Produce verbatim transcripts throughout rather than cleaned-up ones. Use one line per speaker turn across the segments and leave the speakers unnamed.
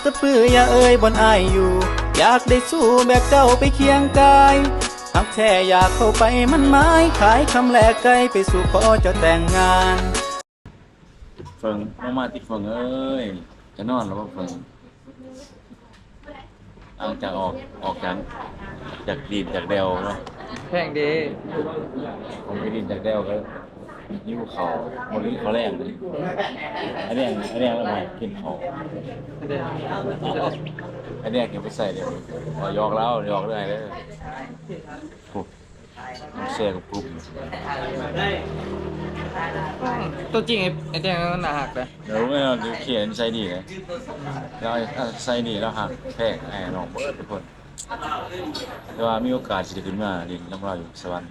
สะปืออย่าเอ่ยบนอายอยู่อยากได้สู้แบบเจ้าไปเคียงกายหักแท้อยากเข้าไปมันไม้ขายคำแลกไกลไปสู่ขอเจ้าแต่งงาน
เฟิงมามาที่เฟิงเอ้ยจะนอนแล้วว่าเฟิงหลังจากออกออกจากจากดินจากเดวเนาะ
แพงดี
ผมไปดินจากเดวก็ยิ้วเขาบนนี้เขาแรงเลยไอ้แดงไอ้แดงแล้วมากินเขาไอ้แดงเก็บไปใส่เดี๋ยวพอยอกแล้วยอกเรื่อยเลยโอ้เสียกับกลุ่ม
ตัวจริงไอ้ไอ้แดงมันหนาหักเลย
เดี๋ยวไม่เราเขียนใส่ดีเลยเราใส่ดีแล้วหักแพงไอ้น้องเบิร์ดทุกคนแต่ว่ามีโอกาสจะขึ้นมาดินน้ำเราอยู่สวรรค์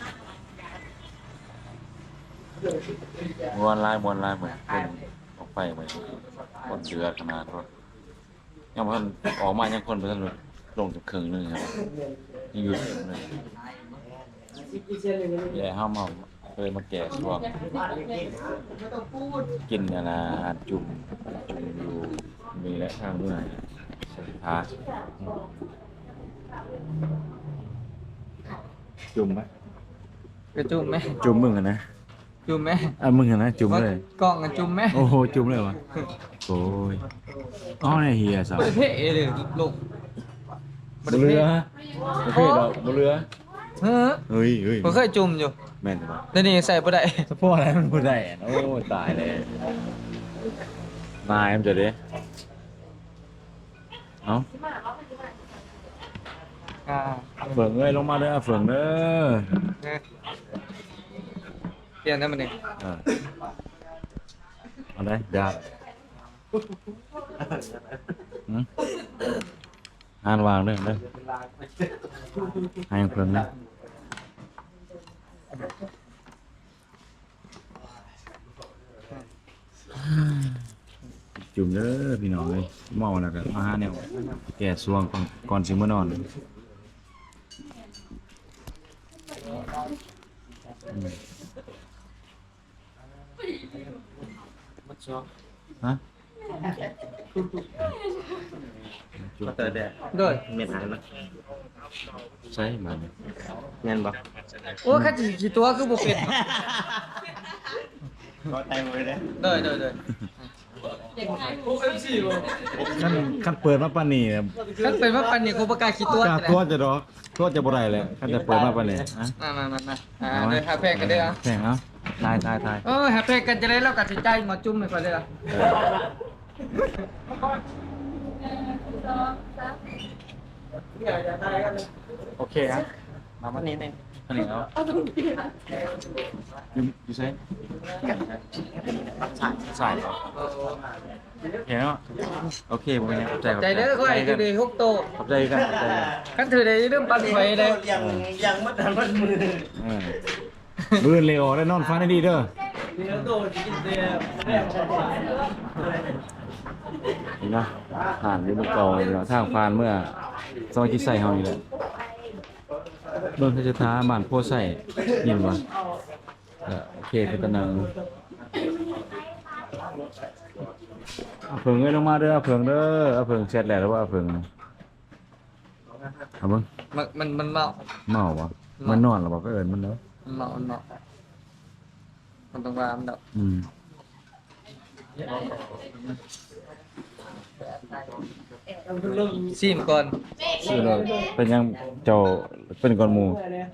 มวนลายมวนลายเหมือนคนออกไปเหมือนคนเดือดขนาดรถยังพันออกมายังคนไปทันลงจากครึ่งนึงครับยังอยู่ถึงเลยแย่ห้ามเอาเคยมาแก่ช่วงกินนะนะจุ่มจุ่มอยู่มีและข้างเมื่อยสุดท้ายจุ่มไหม
กระจุ่มไหม
จุ่มมึงอะนะ
จุ่มไหม
อ่ะมึงอะนะจุ่มเลย
กล้องกันจุ่มไหม
โอ้โหจุ่มเลยวะโอ้ยอ๋อเนี่ยเฮียสาว
ประเทศเลยลูก
บุเรือประเทศเราบุเรือ
เฮ้ย
เฮ้ยเฮ้ย
ผมเคยจุ่มอยู่
แม่นปะ
แต่นี่ใส่บ่ได้
สะโพกอะไรมันบ่ได้โอ้ตายเลยนายมันจะดิเอ้า
อ่า
เฟืองเอ้ยลงมาเด้อเฟืองเด้อ
เปลี่ยนได้มันนี่
เออเอาได้ดาบหืมอ่านวางเด้อเด้อให้เฟืองเด้อจุ่มเด้อพี่น้องเอ้ยเมาแล้วก็มาหาแนวแก่สวงก่อนก่อนสิมื้อนอนฮะ
มาเตอร์แดด
ด้วย
เมียนหายมั้ย
ใช่มัน
เงินบ่
โอ้คันสิกี่ตัวคือบ่เป็น
ก็แต่งไว้เด้
ด้ยด้ยด้ย
ขั้นขั้นเปิดมาปานนี้
คันเป็นว่าปันนี่กูบ่กล้าคิดตัว
กล้าตัวจะดอกตัวจะบ่ได้เลยขั้นจะเปิดมาปานนี้ฮะ
มาๆๆอ่าเด้อหาแพงกันเด้ออ่ะ
แพงเอ้าทายทายทาย
เออหาแพงกันจะได้แล้วก็สิจ่ายหมอจุ่มให้ก่อนเด้อ
โอเคครับมาวันนี้เองอันนี้เอาอยู่อยู่ไสสายสายเหรอเห็นเนาะโอเคบ่เป็นหยังขอบใจขอบ
ใจเด้อค่อยคือได้หกโต
ขอบใจกันขอบใจกัน
คันถือได้เริ่มปั่นไฟเลย
ยังยังมัดทันมัดมือ
เออมื้อเลวได้นอนฟังได้ดีเด้อนี่นะผ่านอยู่เมื่อเก่าเนาะทางผ่านเมื่อซอยที่ใส่เฮานี่แหละเบิ่งเขาจะท้าบ้านโพใส่ยินบ่เออโอเคคือตะนังเอาเพิ่งเอ้ยลงมาเด้อเอาเพิ่งเด้อเอาเพิ่งเสร็จแล้วหรือว่าเอาเพิ่งเอาเบิ่ง
มันมันมันเมา
เมาบ่มันนอนแล้วบ่ก็เอิ้นมันเด้อ
มันเมามันเมามันต้องว่ามันดอก
อืม
ซีมก่อน
ชื่อเลยเป็นยังเจ้าเป็นก่อนหมู่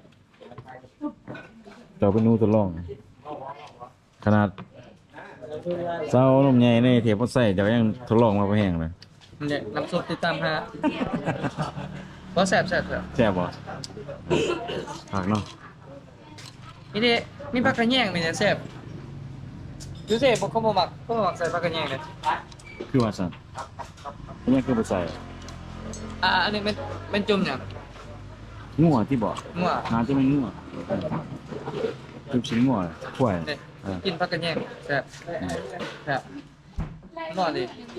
เจ้าเป็นหนูทดลองขนาดเจ้านมใหญ่ในเทียบบ่ใส่เจ้ายังทดลองมาบ่แห้งเลย
เนี่ยน้ำซุปติดตามหาบ่แซ่บแซ่บแซ่บ
แซ่บบ่ผักเนาะ
นี่ดิมีผักกระแยงมีแต่แซ่บดูสิบ่เขาบ่มักเขาบ่มักใส่ผักกระแยงเลย
คือว่าซั่นอันนี้คือบ่ใส่
อ่าอันนี้เป็นเป็นจุ่มหยัง
งัวที่บ่
มั่ว
น่าจะเป็นงัวจุ่มชิ้นงัวข่วย
นี่
เออ
กินผักกระแยงแซ่บแซ่บนอนดิ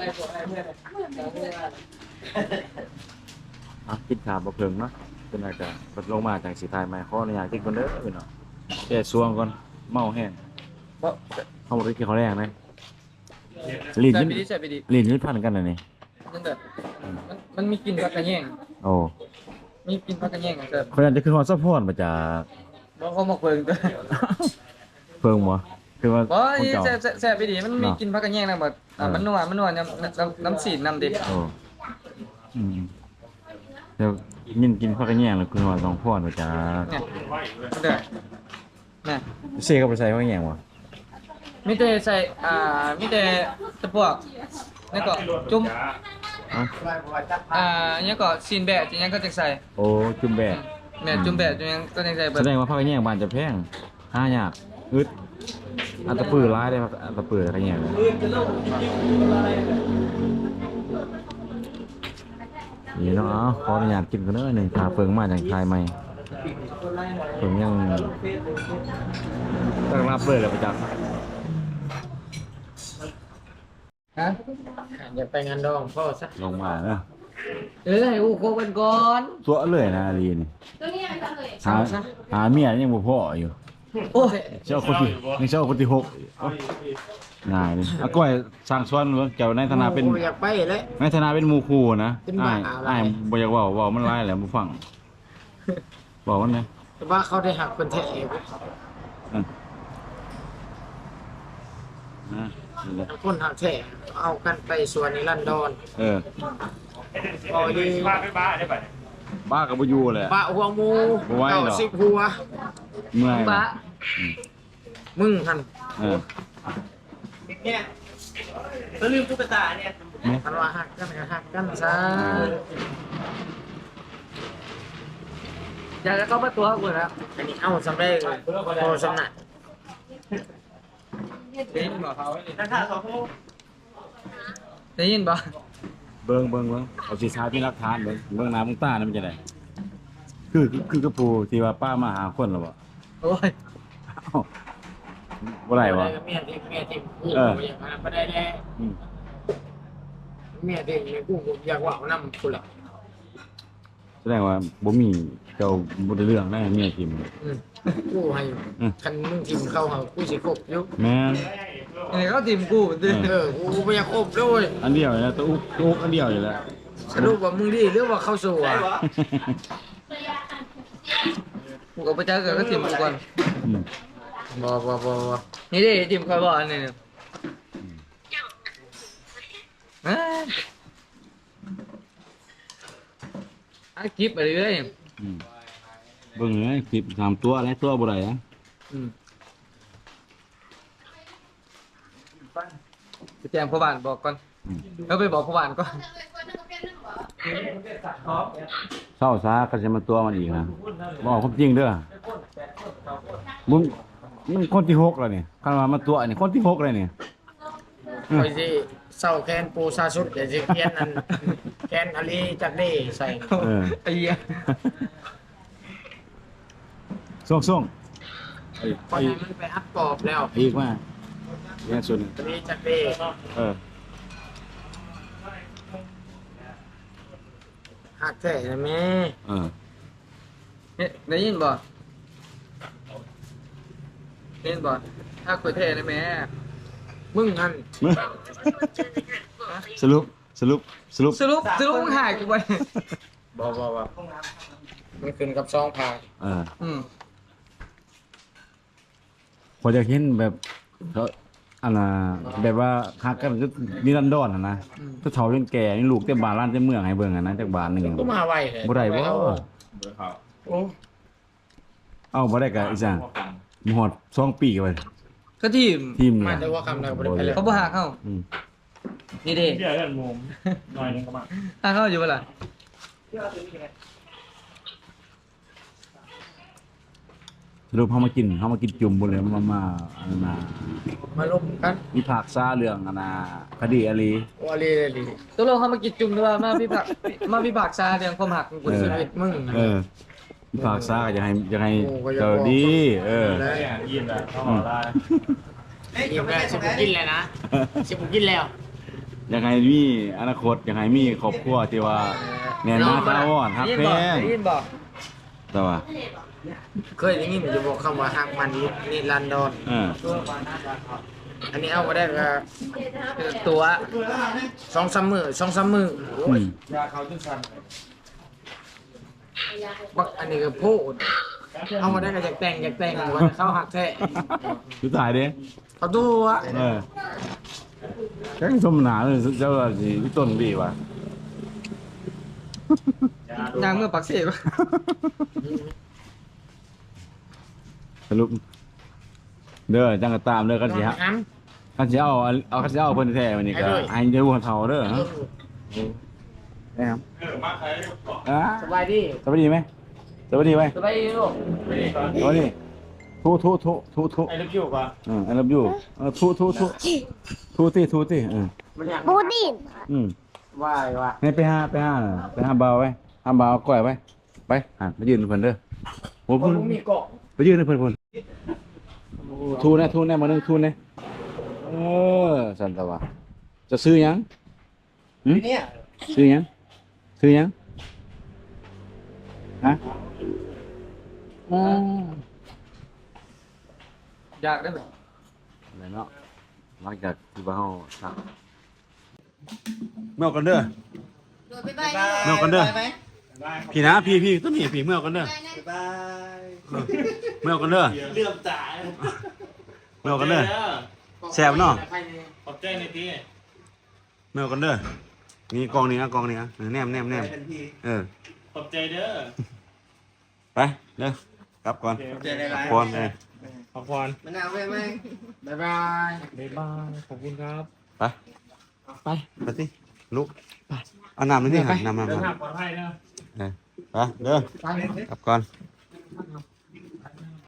อ่ะกินข้าวบ่เพิ่งเนาะเป็นอะไรก็บัดลงมาจังสิทายใหม่ขออนุญาตกินก่อนเด้อเนาะแก้สวงก่อนเมาแห้ง
บ่
เฮาบ่ได้กินข้าวแรงนะลิ้น
ใส่
นี่
ไปดิใส่ไปดิ
ลิ้นนี่พันกันน่ะนี่
นั่นแหละมันมันมีกลิ่นผักกระแยง
โอ้
มีกลิ่นผักกระแยงอ่ะแซ่บ
คนนั้นจะคือฮอดซัพพอร์ตมาจาก
บ่เขามาเพิ่งตัว
เพิ่งบ่คือว่า
บ่
คน
นี่
เก่า
แซ่บแซ่บแซ่บไปดิมันมีกลิ่นผักกระแยงนำบ่อ่ามันนัวมันนัวน้ำน้ำน้ำสีน้ำดิ
โอ้อืมเดี๋ยวมินกินข้าวกันแย่งแล้วคือว่าต้องพอดมาจาก
เนี่ยเด้อน่ะ
เซก็ไปใส่ข้าวกันแย่งบ่
มีแต่ใส่อ่ามีแต่ตะพวกนี่ก็จุ่ม
เอ้า
อ่าเนี่ยก็ซีนแบะจังยังก็จะใส่
โอ้จุ่มแบะ
แม่จุ่มแบะจังยังก็จะใส่แบ
แส
บ
ดงว่าข้าวกันแย่งบ้านจะแพงหายากอึดอันตะปือร้ายได้ครับอันตะปือข้าวกันแย่งเลยนี่เนาะเอาขออนุญาตกินกันเด้อหนึ่งขาเฟิงมาจากทายใหม่เฟิงยังต้องรับเลยแหละประจักษ์
ฮะ
อย่าไปงานดองพ่อซะ
ลงมาเนาะ
เออให้อูโคกันก่อน
ตัวเลยนะอาลีนี่
ตัวนี้ยังทำเลย
หาหาเมียยังบ่พออยู่
โอ้ย
เจ้าคนที่ยังเจ้าคนที่หกโอ๊ยง่ายเลยอาก้อยสร้างสวนเบิ่งเจ้าในฐานะเป็น
อยากไปเลย
ในฐานะเป็นหมู่ครูนะ
เป็นบ้า
อ้าย
อะไร
อ้ายบ่อยากเว้าเว้ามันหลายแหละบ่ฟังบอกมันนะ
แต่ว่าเขาได้หักคนแท้เอง
อืมนะนี่แหละ
คนหักแท้เอากันไปสวนนิรันดร
เออ
โอ้ยดี
บ้าก็บ่อยู่แหละ
ปะหัวหมู
บ่ไหวหรอก
เก้าสิบหัว
เมื่อย
บะ
มึงหัน
เออ
เนี่ยเขาลืมตุ๊กตาเนี่ย
แม่
คันว่าหักกันก็หักกันซะ
อยากจะเข้ามาตัวกูแล้ว
อันนี้เอาสำเร็จพอสำนัก
ได้ยินบ่เขา
ราคาสอง
ได้ยินบ่
เบิ่งเบิ่งเบิ่งเอาสิชาที่รักฐานเบิ่งเบิ่งหน้ามึงตานี่มันจะได้คือคือคือกระปูที่ว่าป้ามาหาคนแล้วบ่
โอ้ย
เอ้าบ่ได้วะ
เมียทิมเมียทิมกู
เออ
อย่างนั้นไม่ได้แน่
อืม
เมียทิมเนี่ยกูอยากว่าเอาน้ำกูละ
แสดงว่าบ่มีเจ้าบ่ได้เรื่องได้เมียทิม
อืมกูให้
อืม
คันมึงทิมเข้าหากูสิคบอยู่
แม่น
อันนี้เขาทีมกูดิ
เอ
เออกูไม่อยากคบด้วย
อันเดียวเลยนะตัวอุ๊กตัวอุ๊กอันเดียวอยู่แล้ว
สรุปว่ามึงดีหรือว่าเข้าสู่อ่ะ
กูกับประจักษ์ก็ทีมกูก่อน
อืม
บ่บ่บ่บ่
นี่ดิทีมคอยบอกอันนี้เนี่ยเอ้ยอ่ะคลิปอะไรเลย
อืมเบิ่งเลยคลิปสามตัวอะไรตัวบ่ได้นะ
อืมไปแจ้งพ่อบ้านบอกก่อน
อืม
แล้วไปบอกพ่อบ้านก่อน
เศร้าซาก็จะมาตัวมันอีกนะบอกความจริงเด้อมึงมึงคนที่หกแล้วนี่คันว่ามาตัวนี่คนที่หกเลยนี่
คอยสิเศร้าแคนปูซาสุดเดี๋ยวสิเพี้ยนอันแคนอลีจักเด้ใส่
เออ
ไอ้เหี้ย
ส่งส่งไอ้
พอ
ไอ้
ให้มันไปอัดปอบแล้ว
อีกมาแย่สุดหนึ่ง
อลีจักเด้
เออ
หักแท้นะแม่
เออ
เนี่ยได้ยินบ่ได้ยินบ่ถ้าคุยเท่ได้ไหม
มึงหัน
สรุปสรุปสรุป
สรุปสรุปมึงหายกูไป
บ่บ่บ่มันขึ้นกับซองพา
เออ
อืม
พอจะเห็นแบบเขาอันน่ะแบบว่าฮักกันก็นิรันดรน่ะนะถ้าเฒ่าจนแก่นี่ลูกเต็มบ้านร้านเต็มเมืองให้เบิ่งอ่ะนะจักบ้านหนึง
ก็มาไวเลย
บ่ได้บ่
โอ้
เอ้าบ่ได้ก็อีสังหมฮอดสองปีไป
ก็ทีม
ทีม
มา
เนี่ย
แต่ว่าคำใดบ่ได้ไปเลย
เขาบ่หักเข้า
อืม
นี่ดิ
เดี๋ยวกันมุมหน่อยนึงก็มา
หักเข้าอยู่เปะล่า
สรุปเฮามากินเฮามากินจุ่มบ่เลยมามาอันนั้นน่ะ
มาลบกัน
มีภาคซาเรื่องอันน่ะคดีอาลี
โอ้อลีเลยลี
ตกลงเขามากินจุ่มหรือว่ามาพี่ผักมาพี่ผักซาเรื่องความหักของกู
เออ
ชีวิตมึง
เออมีภาคซาก็อยากให้อยากให้
โอ้ก็อยาก
เจอดี เออ
ได้
เนี่ยยินแล้วเข้ามาได้
กินแล้วสิบกินแล้วนะสิบกินแล้ว
อยากให้มีอนาคตอยากให้มีครอบครัวที่ว่าแน่นหนาถาวรฮัก
ได้ยิน
แพ
บ่
ง
ได้ยินบ่
แต่ว่า
เคยได้ยินอยู่บอกคำว่าหักมันนิรันดร
เออ
อันนี้เอามาได้ก็
คือตัว
สองสามมือสองสามมือ
อืม
ยาเขาจุดชัน
บักอันนี้ก็โพดเอามาได้ก็อยากแต่งอยากแต่งวันเข้าหักแท้
สุดท้ายเด้
เขาตัว
เออแค่สมนาเลยเจ้าว่าสิต้นบีว่ะ
นางเมื่อปักเสบ
สรุปเด้อจังก็ตามเด้อกันสิฮะ
น้
กันสิเอาเอากันสิเอาเพิ่นแท้วันนี้ก็ให้เด้อหัวเฒ่าเด้อฮะได้ครับ
เออมาใครบอก
อ่า
ำสบายดี
สวัสดีไหมสวัสดีไหม
สบายดีลูก
ไปดีก่อน
สวัสดีทุทุทุทุทุ
ไอ้ลูกอยู่ก่อน
อืม I love you เออทุทุทุทุติทุติเออ
มันอยาก
บูดิน
อืม
ว่ายว่ะ
ให้ไปหาไปหาไปหาเบาไว้หาเบาเอาก้อยไว้ไปหาไปยืนเพิ่นเด้อโอ้
ผ
เพิ่น
มมีเกาะ
ไปยืนให้เพิ่นเพิ่นทูนะทูนะมานึงทูนะเออสันตะวะจะซื้อหยังหึ
เนี่ย
ซื้อหยังซื้อหยังฮะอ๋อ
อยากได้ไหม
อะไรเนาะหลังจากที่ว่าเฮาซักเมื่อกันเด้อ
บ๊ายบาย
เมื่อกันเด้อพี่นะพี่พี่ต้นนี่พี่เมื่อกันเด้อเมื่อกันเด้อ
เลื่อมตา
เมื่อกันเด้อแซ่บเนาะ
ขอบใจในที่
เมื่อกันเด้อนี่กองนี้นะกองนี้นะแนมแนมแนมเออ
ขอบใจเด้อ
ไปเด้อกลับก่อน
ขอบใจในไลน์
ก่อนเออ
ขอบพร
มะนาวไว้ไหมบ๊ายบาย
บ๊ายบายขอบคุณครับ
ไปไปไปสิลุกไปเอาน้ำนี่สิหาน้ำน้ำ
เดิน
น้ำ
ทางปลอดภัยนะ
เออไปเด้อ
ไป
กลับก่อน
ไ